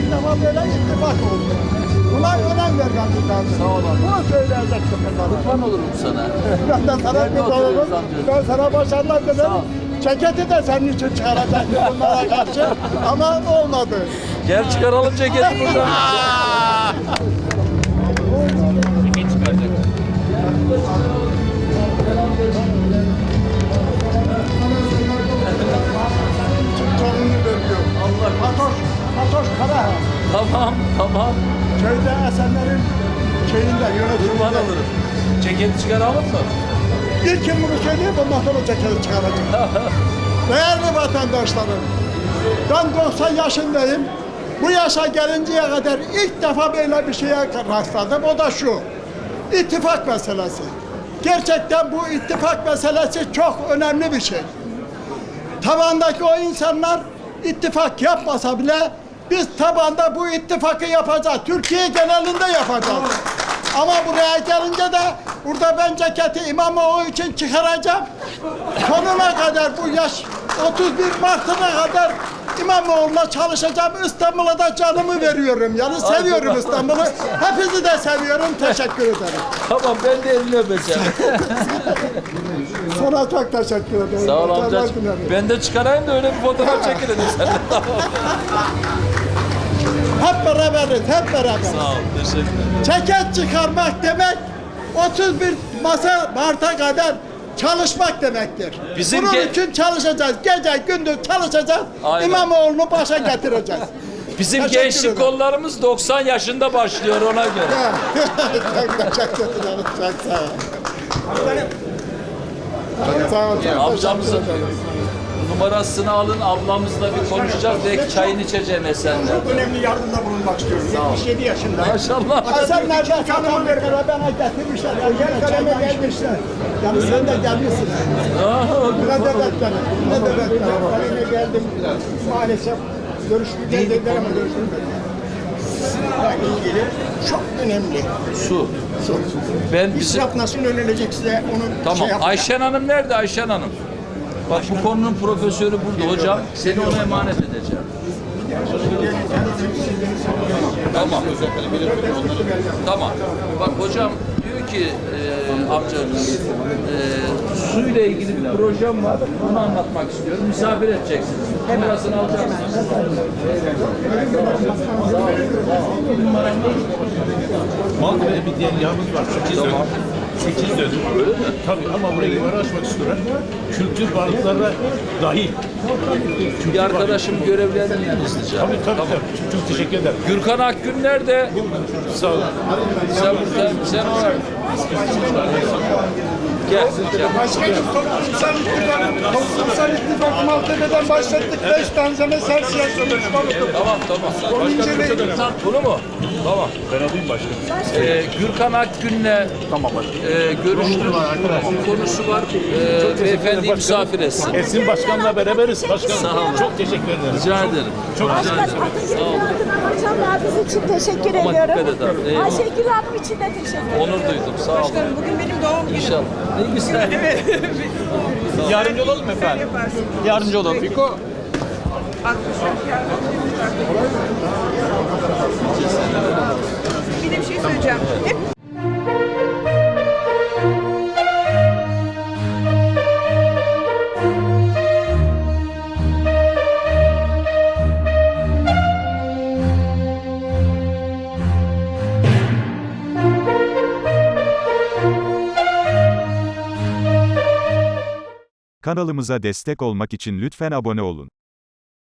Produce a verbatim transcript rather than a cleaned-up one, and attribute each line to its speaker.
Speaker 1: defa böyle ittifak oldu. Buna önem vermemiz lazım.
Speaker 2: Sağ olun.
Speaker 1: Bunu söyleyecektim ben.
Speaker 2: Kurban olurum sana.
Speaker 1: Ben de sana
Speaker 2: Nerede
Speaker 1: bir olurum.
Speaker 2: oturuyoruz amca?
Speaker 1: Ben sana başarılar
Speaker 2: Sağ ol.
Speaker 1: dilerim. Ceketi de senin için çıkaracaktım bunlara karşı. Ama olmadı.
Speaker 2: Gel çıkaralım ceketi buradan. Ceket çıkaracak.
Speaker 1: Canını veriyor.
Speaker 2: Allah
Speaker 1: Fatoş, Fatoş Karahan.
Speaker 2: Tamam, tamam.
Speaker 1: Köyde Esenler'in şeyinde
Speaker 2: Kurban
Speaker 1: yönetiminde.
Speaker 2: olurum. Ceketi çıkaralım mı?
Speaker 1: İlk kim bunu söylüyor, bundan sonra ceketi çıkaracak. Değerli vatandaşlarım, ben doksan yaşındayım. Bu yaşa gelinceye kadar ilk defa böyle bir şeye rastladım. O da şu, ittifak meselesi. Gerçekten bu ittifak meselesi çok önemli bir şey. Tabandaki o insanlar ittifak yapmasa bile biz tabanda bu ittifakı yapacağız. Türkiye genelinde yapacağız. Ama buraya gelince de burada ben ceketi İmamoğlu için çıkaracağım. Sonuna kadar bu yaş otuz bir Mart'ına kadar İmamoğlu'na çalışacağım. İstanbul'a da canımı veriyorum. Yani seviyorum İstanbul'u. Hepinizi de seviyorum. Teşekkür ederim.
Speaker 2: Tamam, ben de elini öpeceğim.
Speaker 1: Sana çok teşekkür ederim.
Speaker 2: Sağ ol
Speaker 1: Başarılar
Speaker 2: amcacığım.
Speaker 1: dilerim.
Speaker 2: Ben de çıkarayım da öyle bir fotoğraf çekilelim seninle.
Speaker 1: Hep beraberiz, hep beraberiz.
Speaker 2: Sağ ol, teşekkür ederim.
Speaker 1: Ceket çıkarmak demek otuz bir masa Mart'a kadar çalışmak demektir.
Speaker 2: Bizim
Speaker 1: Bunun
Speaker 2: ge-
Speaker 1: için çalışacağız. Gece gündüz çalışacağız.
Speaker 2: Aynen.
Speaker 1: İmamoğlu'nu başa getireceğiz.
Speaker 2: Bizim
Speaker 1: Teşekkür
Speaker 2: gençlik
Speaker 1: ederim.
Speaker 2: kollarımız doksan yaşında başlıyor ona göre.
Speaker 1: Çok teşekkür ederim. Çok sağ ol. Çok sağ ol. Çok
Speaker 2: Amcamızın
Speaker 1: teşekkür ederim.
Speaker 2: numarasını alın, ablamızla bir konuşacağız. Belki çayını içeceğim Esen'le.
Speaker 3: Önemli yardımda bulunmak istiyorum. yetmiş yedi yaşında.
Speaker 2: Maşallah.
Speaker 1: Sen nereden satam vermene bana getirmişler. Gel kaleme gelmişler. Yani sen de gelmişsin. Ne de beklerim. Ne de beklerim.
Speaker 3: Kaleme geldim. Maalesef görüşmeyeceğiz dediler ama görüşmeyeceğiz. Sizle ilgili çok önemli.
Speaker 2: Su. Ben bizim...
Speaker 3: İsraf nasıl önlenecek size onu
Speaker 2: Tamam.
Speaker 3: şey yapacağım.
Speaker 2: Ayşen Hanım nerede Ayşen Hanım? Bak bu konunun profesörü burada hocam. Seni ona emanet edeceğim. Tamam. Tamam. Bak hocam diyor ki e, amcamız e, suyla ilgili bir projem var. Onu anlatmak istiyorum. Misafir edeceksiniz. Kamerasını alacaksınız.
Speaker 4: Maltepe'de bir diğer yağımız var. sekiz dönüm. sekiz dönüm. Öyle mi? Tabii ama burayı imara açmak istiyorlar. Kültür varlıklarına dahil.
Speaker 2: Bir arkadaşım görevlendireyim hızlıca.
Speaker 4: Tabii tabii tabii. Çok teşekkür ederim.
Speaker 2: Gürkan Akgün nerede?
Speaker 4: Sağ olun.
Speaker 2: Sen, sen, sen ona... Gel, gel.
Speaker 1: Başkanım toplumsal ittifak, toplumsal ittifak Maltepe'den başlattık. Beş tane sen siyasi
Speaker 2: Tamam, tamam. Başka bunu mu? Tamam.
Speaker 4: Ben alayım başkanım.
Speaker 2: Ee, Gürkan Akgün'le
Speaker 4: Tamam başkanım.
Speaker 2: e, görüştüm. Konusu var. Ee, beyefendi misafir etsin.
Speaker 4: Esin Başkan'la beraberiz başkanım.
Speaker 2: Sağ olun.
Speaker 4: Çok teşekkür ederim.
Speaker 2: Rica ederim.
Speaker 4: Çok
Speaker 2: Rica
Speaker 4: rica
Speaker 2: ederim.
Speaker 4: ederim.
Speaker 2: Sağ olun.
Speaker 5: Akşamlar için teşekkür
Speaker 2: Ama
Speaker 5: ediyorum.
Speaker 2: dikkat et abi, eyvallah.
Speaker 5: Ayşegül Hanım için de teşekkür ederim.
Speaker 2: Onur duydum. Sağ olun.
Speaker 6: Başkanım bugün benim doğum günüm.
Speaker 2: İnşallah. Ne güzel.
Speaker 7: Yardımcı olalım efendim. Yardımcı olalım. Fiko.
Speaker 6: Bir de bir şey söyleyeceğim. Hep
Speaker 8: Kanalımıza destek olmak için lütfen abone olun.